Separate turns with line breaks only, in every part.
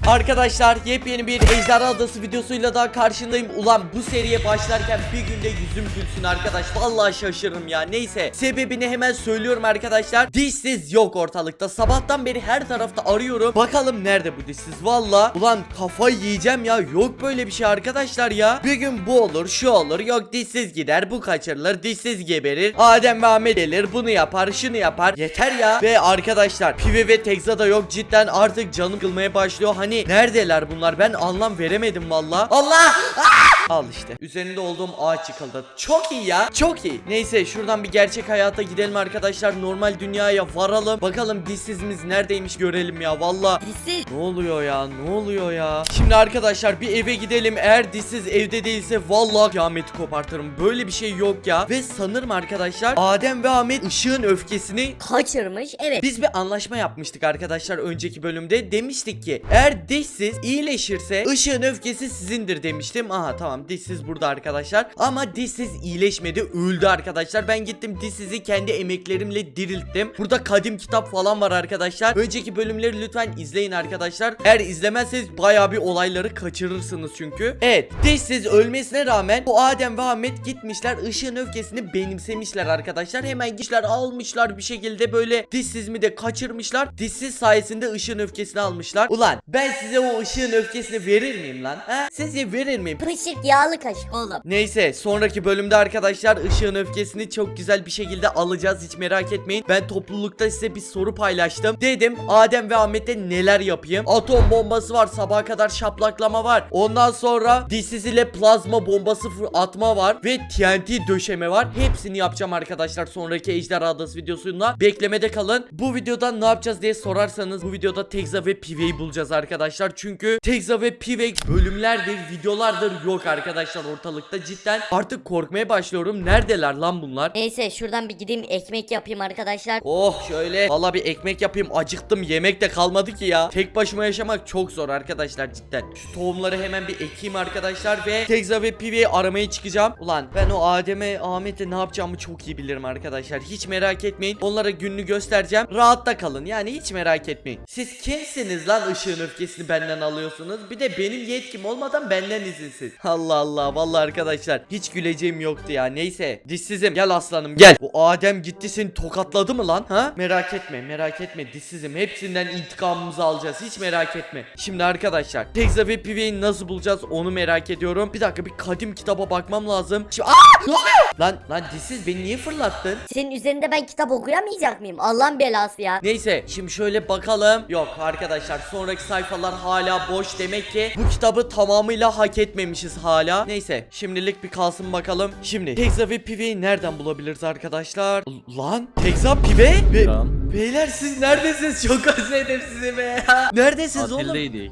Arkadaşlar yepyeni bir Ejderha Adası videosuyla daha karşındayım. Ulan bu seriye başlarken bir günde yüzüm gülsün arkadaş. Vallahi şaşırırım ya. Neyse, sebebini hemen söylüyorum arkadaşlar. Dişsiz yok ortalıkta. Sabahtan beri her tarafta arıyorum. Bakalım nerede bu dişsiz? Valla ulan kafayı yiyeceğim ya. Yok böyle bir şey arkadaşlar ya. Bir gün bu olur, şu olur. Yok dişsiz gider, bu kaçırılır, dişsiz geberir. Adem ve Ahmet gelir, bunu yapar, şunu yapar. Yeter ya. Ve arkadaşlar Pive ve Tekza da yok. Cidden artık canım kılmaya başlıyor. Hani neredeler bunlar? Ben anlam veremedim valla. Allah! Al işte. Üzerinde olduğum ağaç yıkıldı. Çok iyi ya. Çok iyi. Neyse şuradan bir gerçek hayata gidelim arkadaşlar. Normal dünyaya varalım. Bakalım dişsizimiz neredeymiş görelim ya. Valla.
Dişsiz.
Ne oluyor ya? Ne oluyor ya? Şimdi arkadaşlar bir eve gidelim. Eğer dişsiz evde değilse vallahi kıyameti kopartırım. Böyle bir şey yok ya. Ve sanırım arkadaşlar Adem ve Ahmet ışığın öfkesini
Kaçırmış. Evet.
biz bir anlaşma yapmıştık arkadaşlar önceki bölümde. Demiştik ki eğer dişsiz iyileşirse ışığın öfkesi sizindir demiştim. Aha tamam, dişsiz burada arkadaşlar. Ama dişsiz iyileşmedi, öldü arkadaşlar. Ben gittim dişsizi kendi emeklerimle dirilttim. Burada kadim kitap falan var arkadaşlar. Önceki bölümleri lütfen izleyin arkadaşlar. Eğer izlemezseniz bayağı bir olayları kaçırırsınız çünkü. Evet, dişsiz ölmesine rağmen bu Adem ve Ahmet gitmişler ışığın öfkesini benimsemişler arkadaşlar. Hemen gitmişler almışlar bir şekilde, böyle dişsizimi de kaçırmışlar. Dişsiz sayesinde ışığın öfkesini almışlar. Ulan ben size o ışığın öfkesini verir miyim lan? Ha? Sizce verir miyim?
Pışık yağlı kaşık oğlum.
Neyse sonraki bölümde arkadaşlar ışığın öfkesini çok güzel bir şekilde alacağız, hiç merak etmeyin. Ben toplulukta size bir soru paylaştım. Dedim Adem ve Ahmet'e neler yapayım? Atom bombası var, sabaha kadar şaplaklama var. Ondan sonra dişsiz ile plazma bombası atma var ve TNT döşeme var. Hepsini yapacağım arkadaşlar sonraki Ejderha Adası videosunda. Beklemede kalın. Bu videoda ne yapacağız diye sorarsanız bu videoda Tekza ve Pive'yi bulacağız arkadaşlar. Çünkü Tekza ve Pive bölümlerdir, videolardır yok arkadaşlar ortalıkta. Cidden artık korkmaya başlıyorum. Neredeler lan bunlar?
Neyse şuradan bir gideyim ekmek yapayım arkadaşlar.
Oh şöyle. Valla bir ekmek yapayım. Acıktım. Yemek de kalmadı ki ya. Tek başıma yaşamak çok zor arkadaşlar cidden. Şu tohumları hemen bir ekeyim arkadaşlar ve Tekza ve Pive'yi aramaya çıkacağım. Ulan ben o Adem'e, Ahmet'e ne yapacağımı çok iyi bilirim arkadaşlar. Hiç merak etmeyin. Onlara gününü göstereceğim. Rahatta kalın. Yani hiç merak etmeyin. Siz kimsiniz lan ışığın öfkesini benden alıyorsunuz? Bir de benim yetkim olmadan benden izinsiz. Allah Allah. Vallahi arkadaşlar hiç güleceğim yoktu ya. Neyse. Dişsizim. Gel aslanım gel. Bu Adem gitti seni tokatladı mı lan? Ha? Merak etme. Merak etme. Dişsizim. Hepsinden intikamımızı alacağız. Hiç merak etme. Şimdi arkadaşlar Tekza ve Pive'yi nasıl bulacağız onu merak ediyorum. Bir dakika bir kadim kitaba bakmam lazım. Şimdi ne oluyor? Lan dişsiz beni niye fırlattın?
Senin üzerinde ben kitap okuyamayacak mıyım? Allah'ın belası ya.
Neyse şimdi şöyle bakalım. Yok arkadaşlar sonraki sayfalar hala boş, demek ki bu kitabı tamamıyla hak etmemişiz hala. Neyse şimdilik bir kalsın bakalım. Şimdi Tekza ve Pive'yi nereden bulabiliriz arkadaşlar? Lan Tekza, Pive ve beyler siz neredesiniz? Çok özledim sizi be. Neredesiniz oğlum?
Tatildeydik.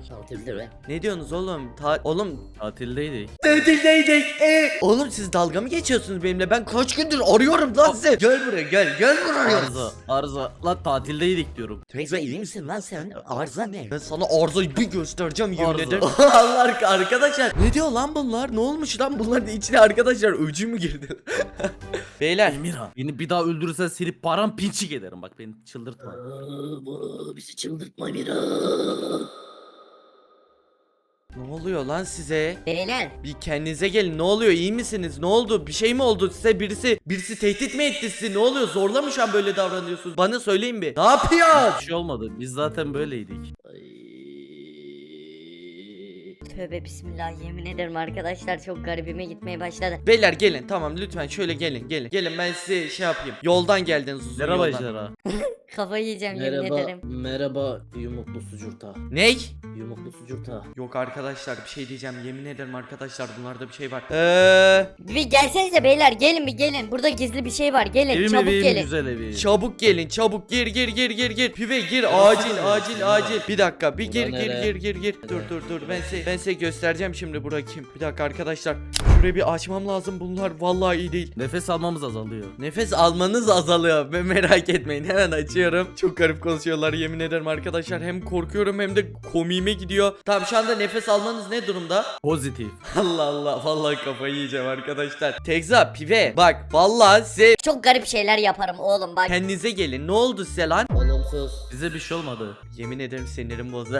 Ne diyorsunuz oğlum? Oğlum
Tatildeydik.
tatildeydik. Oğlum siz dalga mı geçiyorsunuz benimle? Ben kaç gündür arıyorum lan sizi. Gel buraya gel buraya.
Arıza. Lan tatildeydik diyorum.
Tekza iyi misin lan sen? Arıza ne?
Ben sana arzayı bir göstereceğim yemin
Arıza.
ederim. Allah arkadaşlar. Ne diyor lan bunlar? Ne olmuş lan bunların içine arkadaşlar? Öcü mü girdi? Beyler.
Emirhan. Beni bir daha öldürürsen seni paramparçık ederim. Bak beni çıldırtma.
Bizi çıldırtma Miran.
Ne oluyor lan size?
Beyler.
Bir kendinize gelin. Ne oluyor? İyi misiniz? Ne oldu? Bir şey mi oldu size? Birisi tehdit mi etti sizi? Ne oluyor? Zorla mı şu an böyle davranıyorsunuz? Bana söyleyin bir. Ne yapıyor?
Bir şey olmadı. Biz zaten böyleydik.
Tövbe bismillah, yemin ederim arkadaşlar çok garibime gitmeye başladı.
Beyler gelin. Tamam lütfen şöyle gelin. Gelin ben size şey yapayım. Yoldan geldiniz uzun
Merhaba
yoldan.
Ejderha.
Kafayı yiyeceğim yemin ederim.
Merhaba yumuklu sucurta.
Ney?
Yumuklu sucurta.
Yok arkadaşlar bir şey diyeceğim, yemin ederim arkadaşlar bunlarda bir şey var.
Bir gelsenize beyler, gelin bir gelin. Burada gizli bir şey var, gelin
Evim
çabuk
evim
gelin.
güzel evi.
Çabuk gelin, çabuk gir. Pive gir, acil. Bir dakika bir gir. Dur ben size göstereceğim şimdi bura kim. Bir dakika arkadaşlar. Şurayı bir açmam lazım. Bunlar vallahi iyi değil.
Nefes almamız azalıyor.
Nefes almanız azalıyor. Merak etmeyin, hemen açıyorum. Çok garip konuşuyorlar yemin ederim arkadaşlar. Hem korkuyorum hem de komiğime gidiyor. Tamam, şu anda nefes almanız ne durumda?
Pozitif.
Allah Allah, vallahi kafayı yiyeceğim arkadaşlar. Tekza, Pive, bak vallahi size
Çok garip şeyler yaparım oğlum bak.
kendinize gelin. Ne oldu size lan?
Olumsuz.
Bize bir şey olmadı.
Yemin ederim sinirim bozdu.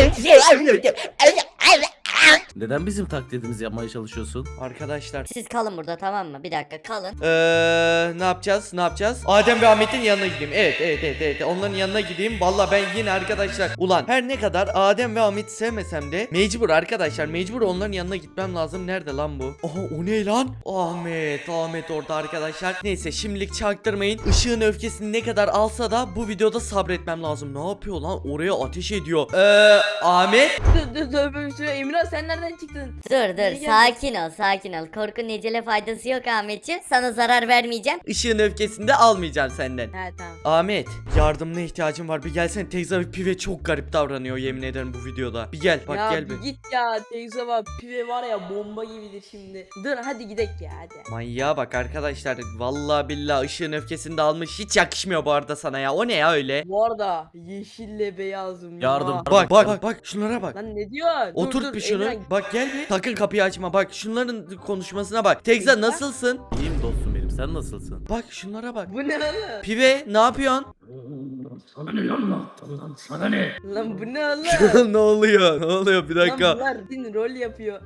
Neden bizim taklidimizi yapmaya çalışıyorsun?
Arkadaşlar
Siz kalın burada, tamam mı? Bir dakika kalın.
ne yapacağız? Ne yapacağız? Adem ve Ahmet'in yanına gideyim. Evet. Onların yanına gideyim. Valla ben yine arkadaşlar. Ulan her ne kadar Adem ve Ahmet'i sevmesem de mecbur arkadaşlar. Mecbur onların yanına gitmem lazım. Nerede lan bu? Aha, o ne lan? Ahmet orada arkadaşlar. Neyse, şimdilik çaktırmayın. Işığın öfkesini ne kadar alsa da bu videoda sabretmem lazım. Ne yapıyor lan? Oraya ateş ediyor. Ahmet.
Dur Emirhan, sen nereden çıktın?
Dur
geldin?
sakin ol. Korkunun ecele faydası yok Ahmetciğim. Sana zarar vermeyeceğim.
Işığın öfkesini de almayacağım senden.
He tamam.
Ahmet, yardımına ihtiyacım var. Bir gelsene. Tekza ve Pive çok garip davranıyor yemin ederim bu videoda. Bir gel. Bak
ya
gel bir.
git ya, teyze bak, pive var ya bomba gibidir şimdi. Dur hadi gidek ya hadi.
Manyağa bak arkadaşlar. Vallahi billahi ışığın öfkesini de almış. Hiç yakışmıyor bu arada sana ya. O ne ya öyle?
Bu arada yeşille beyazım.
Yardım.
ya.
Bak şunlara bak.
Lan ne diyorsun?
Oturt bir şunu. Bak gel bir. Sakın kapıyı açma. Bak şunların konuşmasına bak. Tekza nasılsın?
İyiyim dostum benim. Sen nasılsın?
Bak şunlara bak.
Bu ne oğlum?
Pive ne yapıyorsun?
Sana ne lan lan? Sana ne?
Lan bu ne oğlum?
Ne oluyor? Ne oluyor? Bir
Lan
dakika.
bunlar din rol yapıyor.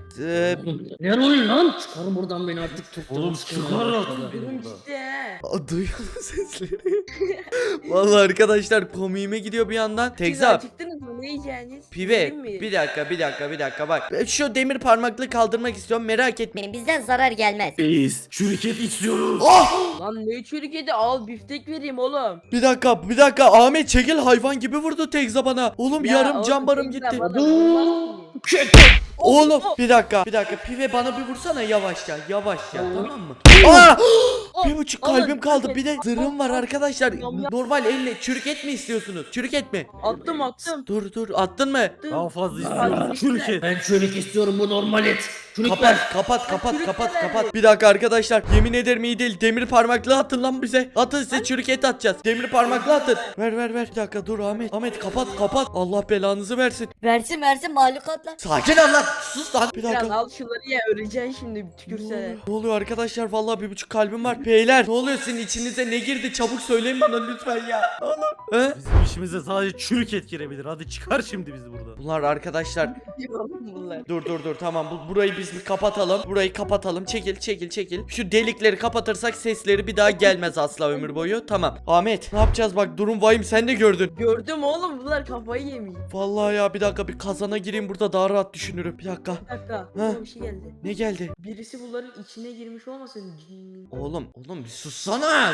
Ne rolü lan? Çıkar buradan beni artık tuttum.
Oğlum çıkar artık beni
Durun
burada.
işte he.
Duyuyor musun sesleri? Vallahi arkadaşlar komiğime gidiyor bir yandan.
Siz
Tekza,
acıktınız mı? Ne yiyeceğiniz?
Pive,
Yiyeyim mi?
bir dakika bak. Şu demir parmaklığı kaldırmak istiyorum, merak etme.
Bizden zarar gelmez.
Biz şirket istiyoruz.
Oh!
Lan ne çürük yedi, al biftek vereyim oğlum.
Bir dakika Ahmet çekil, hayvan gibi vurdu Tekza bana. Oğlum
Ya
yarım
oğlum,
can barım
teyze
gitti.
bana vurmaz ki.
Oğlum bir dakika Pive bana bir vursana yavaşça tamam mı? Aa! Bir buçuk
Oğlum,
kalbim kaldı, bir de
al,
zırhım var
al.
arkadaşlar.
Yam, yam.
Normal elle çürük et mi istiyorsunuz? Çürük et mi?
Attım.
Dur attın mı?
Daha fazla
Aa,
istiyoruz. Şirket.
Ben çörek istiyorum, bu normal et. Çörek
Kapat
ver.
kapat. Bir dakika arkadaşlar, yemin ederim iyi değil. Demir parmaklığı atın lan bize. Atın, size çürük et atacağız. Demir parmaklığı atın. Ver. Bir dakika dur Ahmet kapat. Allah belanızı versin.
Versin mahlukatlar.
Sakin ol lan. Sus lan. Bir
Biraz
dakika.
al şunları ya, öleceksin şimdi tükürse.
Ne oluyor arkadaşlar? Vallahi bir buçuk kalbim var. Beyler ne oluyor, sizin içinize ne girdi? Çabuk söyleyin bana lütfen ya. Oğlum. He?
Bizim işimize sadece çürük et girebilir. Hadi çıkar şimdi bizi burada.
Bunlar arkadaşlar.
Bunlar.
Dur tamam, burayı biz bir kapatalım. Burayı kapatalım. Çekil. Şu delikleri kapatırsak sesleri bir daha gelmez asla ömür boyu. Tamam. Ahmet ne yapacağız, bak durum vahim, sen de gördün.
Gördüm oğlum, bunlar kafayı yemiş.
Vallahi ya, bir dakika bir kazana gireyim, burada daha rahat düşünürüm. Bir dakika.
Bir dakika, bana bir şey geldi.
Ne geldi?
Birisi bunların içine girmiş olmasın? Cin.
Oğlum bir sussana.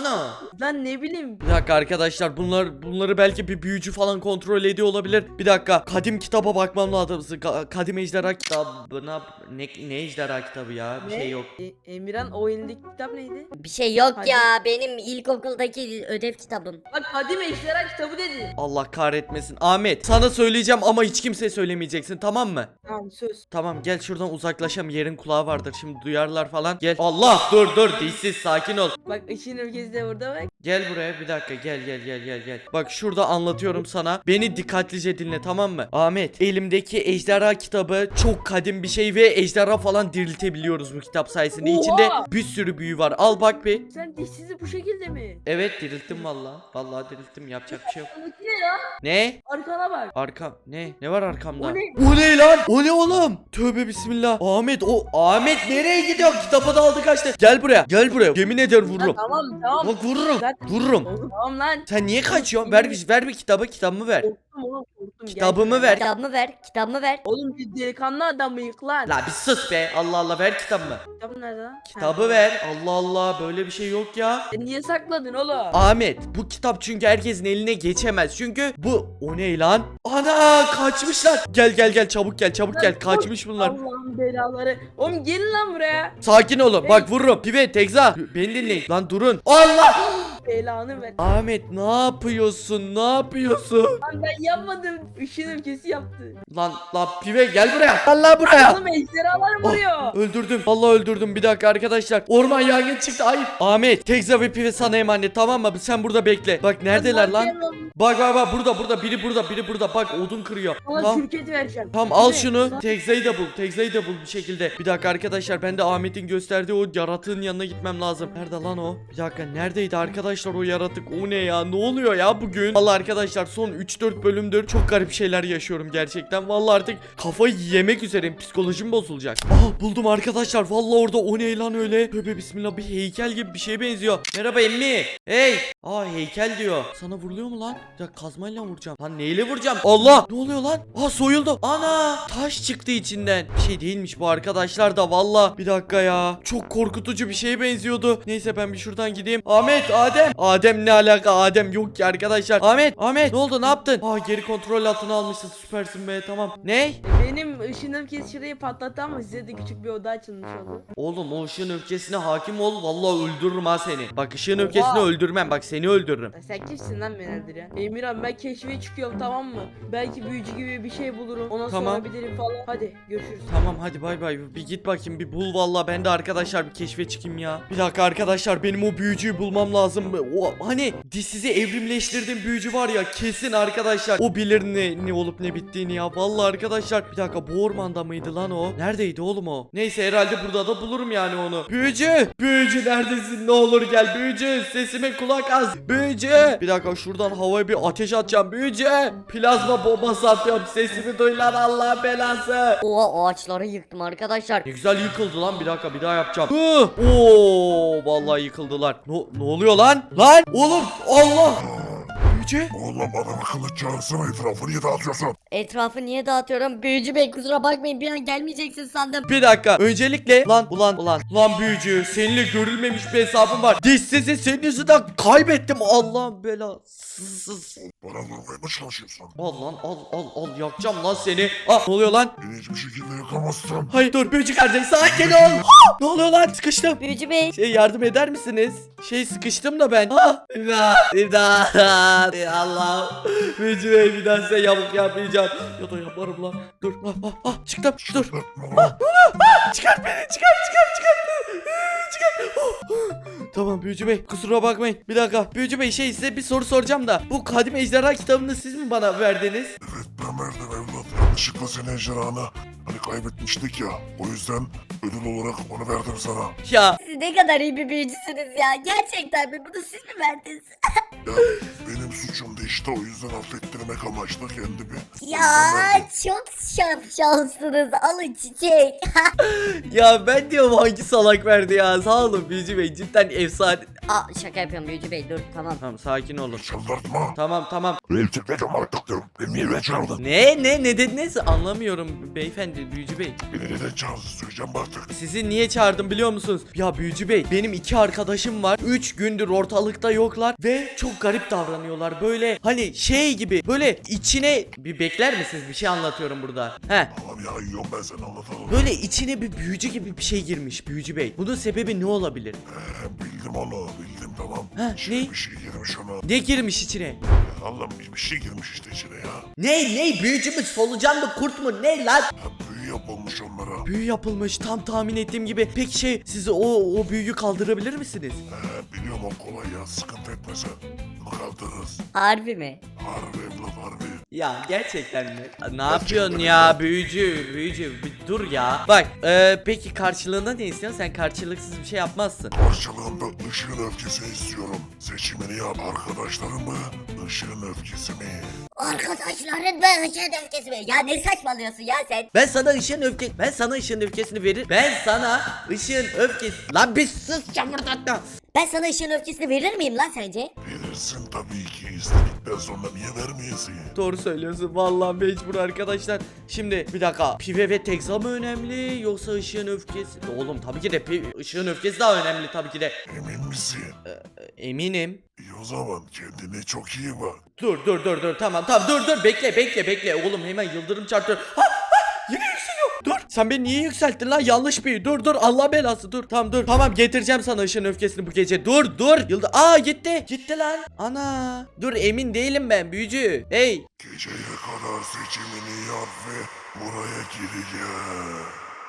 Lan ne bileyim.
Bir dakika arkadaşlar, bunları belki bir büyücü falan kontrol ediyor olabilir. Bir dakika, kadim kitaba bakmam lazım. Kadim ejderha kitabına ne ejderha kitabı ya? Bir şey yok.
Emirhan, o elindeki kitap neydi?
Bir şey yok
Hadi.
ya, benim ilkokuldaki ödev kitabım.
Bak, Kadim Ejderha kitabı dedi.
Allah kahretmesin. Ahmet sana söyleyeceğim ama hiç kimseye söylemeyeceksin, tamam mı?
Tamam, söz.
Tamam, gel şuradan uzaklaşalım, yerin kulağı vardır şimdi, duyarlar falan. Gel. Allah, dur dişsiz, sakin ol.
Bak, ışığın ülkesi de burada bak.
Gel buraya bir dakika, gel. Bak şurada anlatıyorum sana. Beni dikkatlice dinle, tamam mı? Ahmet, elimdeki ejderha kitabı çok kadim bir şey ve ejderha falan diriltebiliyoruz bu kitap sayesinde.
Oha!
İçinde bir sürü büyü var. Al bak bir.
Sen dişsizi bu şekilde mi?
Evet, dirilttim vallahi dirilttim, yapacak bir şey yok.
Arkadaki ne ya?
Ne?
Arkana bak.
Arkam ne var arkamda?
O ne?
O ne lan? O ne oğlum? Tövbe bismillah. Ahmet nereye gidiyor? Kitabı da aldı kaçtı. Gel buraya. Yemin ederim vururum.
Lan, tamam.
Bak vururum.
Zaten-
Vururum.
Oğlum, tamam lan.
Sen niye kaçıyorsun? Ver bir kitabımı ver.
Korktum oğlum, korktum.
Kitabımı
Gel.
ver.
Kitabımı ver.
Oğlum, bir delikanlı adamıyık lan.
La bir sus be. Allah ver kitabımı.
Kitabın nerede lan?
Kitabı ver. Allah böyle bir şey yok ya.
Sen niye sakladın oğlum?
Ahmet, bu kitap çünkü herkesin eline geçemez. Çünkü o ne lan? Ana, kaçmışlar. Gel çabuk gel. Kaçmış bunlar.
Allah'ın belaları. Oğlum gelin lan buraya.
Sakin olun. Bak vururum. Pive, Tekza. Beni dinleyin. Lan durun. Allah!
belanı ver.
Ahmet ne yapıyorsun? Ne yapıyorsun?
Lan ben yapmadım. Işın öfkesi yaptı.
Lan pive gel buraya. Gel lan buraya.
Oğlum ejderhalar vuruyor.
Öldürdüm. Vallahi öldürdüm. Bir dakika arkadaşlar. Orman yangın çıktı. Hayır. Ahmet, Tekza ve Pive sana emanet, tamam mı? Sen burada bekle. Bak neredeler lan? Bak burada. Biri burada. Bak odun kırıyor.
Sana
Tamam.
şirket vereceğim.
Tamam al
Ne?
şunu. Tekza'yı da bul bir şekilde. Bir dakika arkadaşlar, ben de Ahmet'in gösterdiği o yaratığın yanına gitmem lazım. Nerede lan o? Bir dakika, neredeydi arkadaşlar o yaratık? O ne ya? Ne oluyor ya bugün? Vallahi arkadaşlar son 3-4 bölümdür çok garip şeyler yaşıyorum gerçekten. Vallahi artık kafayı yemek üzereyim. Psikolojim bozulacak. Buldum arkadaşlar. Vallahi orada o ne lan öyle? Tövbe bismillah, bir heykel gibi bir şeye benziyor. Merhaba emmi. Hey. Heykel diyor. Sana vuruluyor mu lan? Ya kazmayla vuracağım. Lan neyle vuracağım? Allah! Ne oluyor lan? Soyuldu. Ana! Taş çıktı içinden. Bir şey değilmiş bu arkadaşlar da valla. Bir dakika ya. Çok korkutucu bir şeye benziyordu. Neyse ben bir şuradan gideyim. Ahmet, Adem. Adem ne alaka? Adem yok ki arkadaşlar. Ahmet ne oldu? Ne yaptın? Geri kontrol altına almışsın. Süpersin be, tamam. Ne?
Benim ışın öfkesi şurayı patlattı ama size de küçük bir oda açılmış oldu.
Oğlum o ışığın öfkesine hakim ol. Vallahi öldürürüm ha seni. Bak ışığın öfkesini öldürmem. Bak seni öldürürüm.
Sen kimsin lan beni öldüren? Emirhan ben keşfe çıkıyorum, tamam mı? Belki büyücü gibi bir şey bulurum. Ona
Tamam.
sorabilirim falan. Hadi görüşürüz.
Tamam hadi bay bay. Bir git bakayım, bir bul vallahi. Ben de arkadaşlar bir keşfe çıkayım ya. Bir dakika arkadaşlar, benim o büyücüyü bulmam lazım. O hani dişsizi evrimleştirdiğim büyücü var ya, kesin arkadaşlar o bilir ne olup ne bittiğini ya. Vallahi arkadaşlar, bir dakika, bu ormanda mıydı lan o? Neredeydi oğlum o? Neyse herhalde burada da bulurum yani onu. Büyücü neredesin? Ne olur gel büyücü. Sesime kulak az. Büyücü. Bir dakika, şuradan havaya bir ateş atacağım. Büyücü. Plazma bombası atıyorum. Sesimi duy lan, Allah belası.
Oha, ağaçları yıktım arkadaşlar.
Ne güzel yıkıldı lan, bir dakika bir daha yapacağım. Vallahi yıkıldılar. Ne oluyor lan? Lan oğlum, Allah. Büyücü.
Oğlum bana kılıç çağırsana, etrafı niye dağıtıyorsun?
Etrafı niye dağıtıyorum? Büyücü bey kusura bakmayın, bir an gelmeyeceksin sandım.
Bir dakika, öncelikle ulan büyücü, seninle görülmemiş bir hesabım var. Dişsizi senin yüzünden kaybettim, Allah'ın belası.
Bana vurmaya mı çalışıyorsun?
Al lan, al yakacağım lan seni. Ne oluyor lan?
Beni hiçbir şekilde yakamazsın.
Hayır dur büyücü kardeş, sakin ol. Ne oluyor lan? Sıkıştım.
Büyücü bey.
Yardım eder misiniz? Sıkıştım da ben. İmdat. Allah. Büyücü bey, bir daha size yamuk yapmayacağım. Ya da yaparım lan. Dur. Çıktım. Dur. Çıkart beni. Çıkart. Tamam büyücü bey, kusura bakmayın. Bir dakika büyücü bey, size bir soru soracağım da. Bu Kadim Ejderha kitabını siz mi bana verdiniz?
Evet, ben verdim evlat. Yanlışlıkla senin ejderhanı hani kaybetmiştik ya. O yüzden ödül olarak onu verdim sana.
Ya
Siz ne kadar iyi bir büyücüsünüz ya. Gerçekten mi? Bunu siz mi verdiniz?
Ya benim suçumdu işte, o yüzden affettirmek amaçlı kendimi.
Ya çok şanslısınız. Alın çiçek.
ya ben diyorum hangi salak verdi ya. Sağ olun büyücü bey, cidden efsane.
Şaka yapıyorum büyücü bey, dur tamam.
Tamam sakin olun.
Çıldırtma.
Tamam.
Elçikledim artık diyorum. Beni niye çağırdın?
Ne dediniz? Anlamıyorum beyefendi, büyücü bey.
Beni neden çağırdın söyleyeceğim artık.
Sizi niye çağırdım biliyor musunuz? Ya büyücü bey, benim 2 arkadaşım var. 3 gündür ortalıkta yoklar ve çok garip davranıyorlar. Böyle hani gibi, böyle içine bir bekler misiniz? Bir şey anlatıyorum burada.
Tamam ya, yiyorum ben, sen anlatalım.
Böyle içine bir büyücü gibi bir şey girmiş büyücü bey. Bunun sebebi ne olabilir?
Bildim onu, bildim tamam.
Ha,
Şimdi
ne?
bir şey girmiş ona.
Ne girmiş içine?
Allah'ım bir şey girmiş işte içine ya.
Ne büyücü mü, solucan mı, kurt mu, ne lan?
Büyü yapılmış onlara.
Büyü yapılmış, tam tahmin ettiğim gibi. Peki siz o büyüyü kaldırabilir misiniz?
Biliyorum, o kolay ya, sıkıntı etme sen. Bunu kaldırırız.
Harbi mi?
Harbi evlat, harbi.
Ya gerçekten mi? Ne yapıyorsun ya büyücü bir dur ya. Bak peki karşılığında ne istiyorsun? Sen karşılıksız bir şey yapmazsın.
Karşılığında ışığın öfkesini istiyorum. Seçimini yap, arkadaşlarım mı, ışığın öfkesi mi?
Arkadaşların mı ışığın öfkesi mi? Ya ne saçmalıyorsun ya sen?
Ben sana ışığın öfkesini veririm. Lan bir sus çamurdatma.
Ben sana ışığın öfkesini verir miyim lan sence?
Verirsin tabii ki, istedikten sonra niye vermeyesin?
Doğru söylüyorsun vallahi, mecbur arkadaşlar. Şimdi bir dakika, Pive ve Tekza mı önemli yoksa ışığın öfkesi? Oğlum tabii ki de ışığın öfkesi daha önemli tabii ki de.
Emin misin?
Eminim.
İyi o zaman, kendine çok iyi bak.
Dur tamam dur bekle oğlum, hemen yıldırım çarpıyor. Yine yükseliyor. Dur Sen beni niye yükselttin lan? Yanlış bir. Dur Allah belası dur. Tamam dur. Tamam getireceğim sana ışığın öfkesini bu gece. Dur. Yıldız. Aa gitti. Gitti lan. Ana. Dur emin değilim ben büyücü. Hey.
Geceye kadar seçimini yap ve buraya geri gel.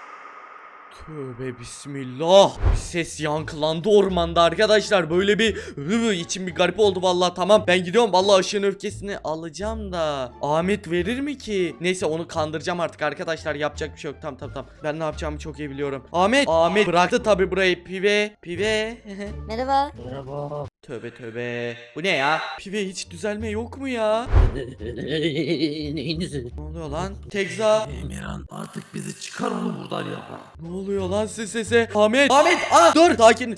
Tövbe bismillah. Ses yankılandı ormanda arkadaşlar. Böyle bir içim bir garip oldu vallahi. Tamam ben gidiyorum. Vallahi ışığın öfkesini alacağım da Ahmet verir mi ki? Neyse onu kandıracağım artık arkadaşlar. Yapacak bir şey yok. Tamam. Ben ne yapacağımı çok iyi biliyorum. Ahmet bıraktı tabi burayı. Pive.
Merhaba.
Merhaba.
Tövbe. Bu ne ya? Pive hiç düzelme yok mu ya?
Neyiniz?
Ne oluyor lan? Tekza.
Emirhan artık bizi çıkar onu buradan ya.
Ne oluyor lan sese? Ahmet. Dur.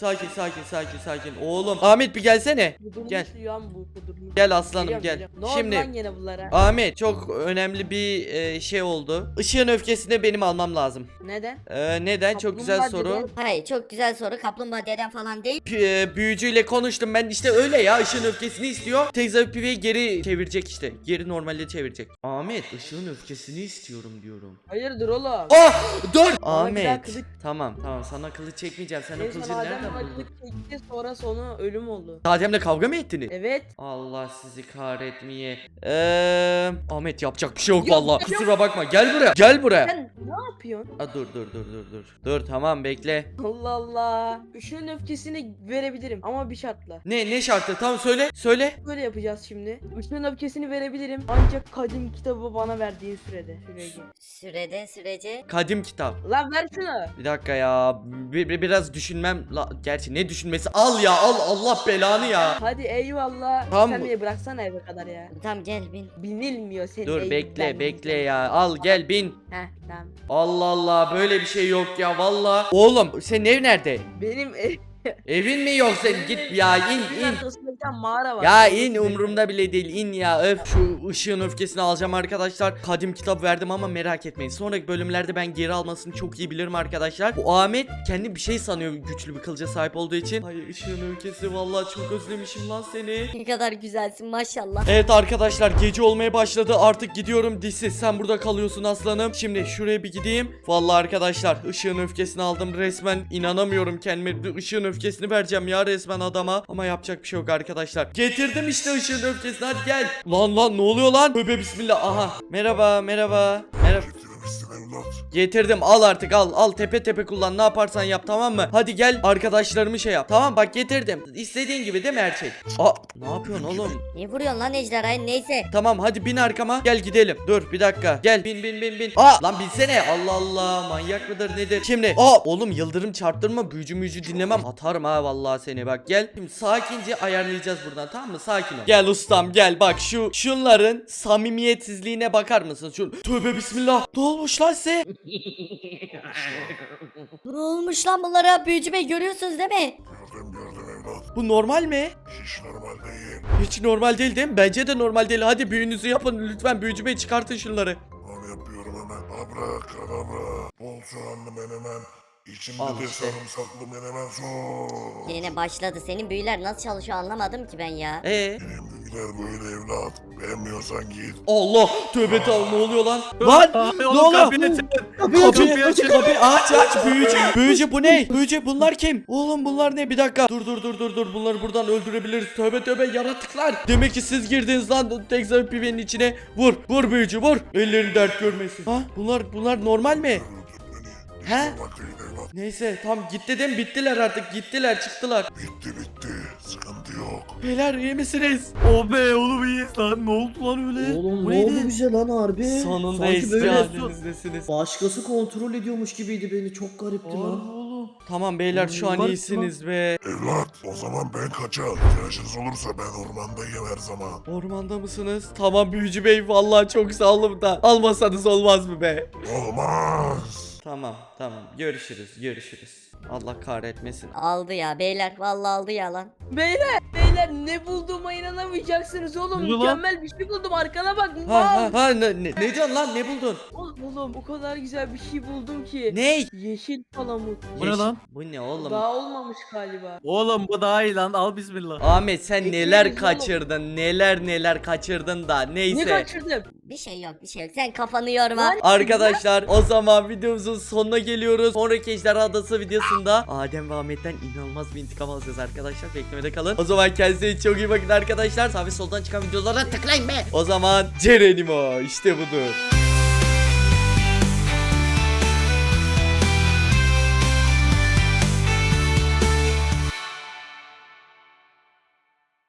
Sakin. Oğlum. Ahmet bir gelsene.
Kudurmuş
Gel.
lan bu kudurmuş.
Gel aslanım
Geliyorum,
gel.
geliyorum. Ne oldu
Şimdi
lan gene bunlara?
Ahmet çok önemli bir şey oldu. Işığın öfkesini benim almam lazım.
Neden?
Neden? Çok güzel
Kaplumbağa
soru.
deden-
Hayır çok güzel soru. Kaplumbağa deden falan değil.
Büyücüyle konuştum ben işte öyle ya ışığın öfkesini istiyor. Tekza piveyi geri çevirecek işte. Geri normalde çevirecek. Ahmet ışığın öfkesini istiyorum diyorum.
Hayırdır oğlum?
Dur.
Bana bir daha
Ahmet.
kılıç-
Tamam sana kılıç çekmeyeceğim. Sen o
Neyse
kılıcı
Adem
nereden
bana
buldun?
kılıç çekti sonra sonu ölüm oldu.
Adem'le kavga mı ettiniz?
Evet.
Allah sizi kahretmeye. Ahmet yapacak bir şey yok
Yok,
vallahi.
yok.
Kusura bakma. Gel buraya.
Sen ne yapıyorsun?
Dur. Dur tamam bekle.
Allah Allah. Üşünün öfkesini verebilirim ama bir şartla.
Ne şartı? Tamam söyle.
Böyle yapacağız şimdi. Üşünün öfkesini verebilirim ancak kadim kitabı bana verdiğin sürece.
Sürece.
Kadim kitap.
Lan ver şunu.
Bir dakika ya. Biraz düşünmem. Gerçi ne düşünmesi? Al ya al Allah belanı ya.
Hadi eyvallah.
Tamam.
Sen beni bıraksana eve kadar ya.
Tamam gel bin.
Binilmiyor senin
Dur
evinden.
bekle ya. Al gel bin.
Heh tamam.
Allah böyle bir şey yok ya valla. Oğlum senin ev nerede?
Benim
Evin mi yok senin? Git ya in.
arkasında bir tane mağara var.
Ya in umurumda bile değil in ya öf. Şu ışığın öfkesini alacağım arkadaşlar. Kadim kitap verdim ama merak etmeyin. Sonraki bölümlerde ben geri almasını çok iyi bilirim arkadaşlar. Bu Ahmet kendi bir şey sanıyor güçlü bir kılıca sahip olduğu için. Ay ışığın öfkesi vallahi çok özlemişim lan seni.
Ne kadar güzelsin maşallah.
Evet arkadaşlar gece olmaya başladı artık gidiyorum dişsiz sen burada kalıyorsun aslanım. Şimdi şuraya bir gideyim. Vallahi arkadaşlar ışığın öfkesini aldım resmen inanamıyorum kendime. Işığın öfkesini vereceğim ya resmen adama. Ama yapacak bir şey yok arkadaşlar. Getirdim işte ışığın öfkesini hadi gel. Lan ne oluyor lan? Tövbe bismillah aha. Merhaba.
Getirmişsin evlat.
Getirdim al artık al tepe kullan ne yaparsan yap tamam mı? Hadi gel arkadaşlarımı şey yap tamam bak getirdim. İstediğin gibi değil mi her şey? Ne yapıyorsun oğlum?
Niye vuruyorsun lan ejderhayı neyse.
Tamam hadi bin arkama gel gidelim. Dur bir dakika gel bin. Lan binsene Allah manyak mıdır nedir? Şimdi oğlum yıldırım çarptırma büyücü dinlemem atarım ha vallahi seni bak gel. Şimdi sakince ayarlayacağız buradan tamam mı sakin ol. Gel ustam gel bak şunların samimiyetsizliğine bakar mısın? Tövbe bismillah ne olmuş lan size?
Ne olmuş lan bunlara büyücü bey görüyorsunuz değil mi?
Gördüm evlat.
Bu normal mi?
Hiç normal değil.
Hiç normal değil değil mi? Bence de normal değil. Hadi büyünüzü yapın lütfen büyücü bey çıkartın şunları.
Onu yapıyorum hemen. Abrakadabra. Bol soğanlı menemen. İçinde
Al
de
işte.
sarımsaklı menemen sos.
Yine başladı. Senin büyüler nasıl çalışıyor anlamadım ki ben ya.
Benim büyüler böyle evlat. Beğenmiyorsan git.
Allah tövbe tamam ne oluyor lan? Lan ne
Oğlum
oluyor?
kapıyı açın.
Kapıyı aç büyücü bu ne? Büyücü bunlar kim? Oğlum bunlar ne bir dakika dur bunları buradan öldürebiliriz tövbe yaratıklar. Demek ki siz girdiniz lan Tekza pivenin içine. Vur büyücü vur. Elleri dert görmesin. Ha bunlar normal mi?
Öldür beni.
He?
Bak değil evlat.
Neyse tam gitti değil mi? Bittiler artık gittiler çıktılar.
Bitti. Sıkıntı yok.
Beyler iyi misiniz?
Oh be oğlum iyiyiz lan. Ne oldu lan öyle?
Oğlum
Bu
ne
neydi?
oldu bize lan harbi?
Sonunda
Sanki
eski
böyle
halinizdesiniz.
başkası kontrol ediyormuş gibiydi beni. Çok garipti lan.
Oğlum.
Tamam beyler şu an
Garip
iyisiniz be.
Evlat o zaman ben kaçar. İhtiyacınız olursa ben ormandayım her zaman.
Ormanda mısınız? Tamam büyücü bey vallahi çok sağ olun da almasanız olmaz mı be?
Olmaz.
Tamam görüşürüz. Allah kahretmesin.
Aldı ya beyler. Vallahi aldı ya lan.
Beyler ne bulduğuma inanamayacaksınız oğlum.
Ne lan?
Mükemmel bir şey buldum arkana bak.
Ne diyorsun lan ne buldun?
Oğlum o kadar güzel bir şey buldum ki.
Ne?
Yeşil palamut.
Bu ne lan?
Bu ne oğlum?
Daha olmamış galiba.
Oğlum bu daha iyi lan. Al bismillah.
Ahmet sen
Bekleyin
neler
oğlum.
kaçırdın neler kaçırdın da
Ne
neyse.
kaçırdım?
Bir şey yok bir şey yok. Sen kafanı yorma.
Lan-
Arkadaşlar o zaman videomuzun sonuna geliyoruz. Sonraki Ejderha Adası videosunda Adem ve Ahmet'ten inanılmaz bir intikam alacağız arkadaşlar. Beklemede kalın. O zaman kendinize çok iyi bakın arkadaşlar. Sağ ve soldan çıkan videolara tıklayın be. O zaman Cerenimo işte budur.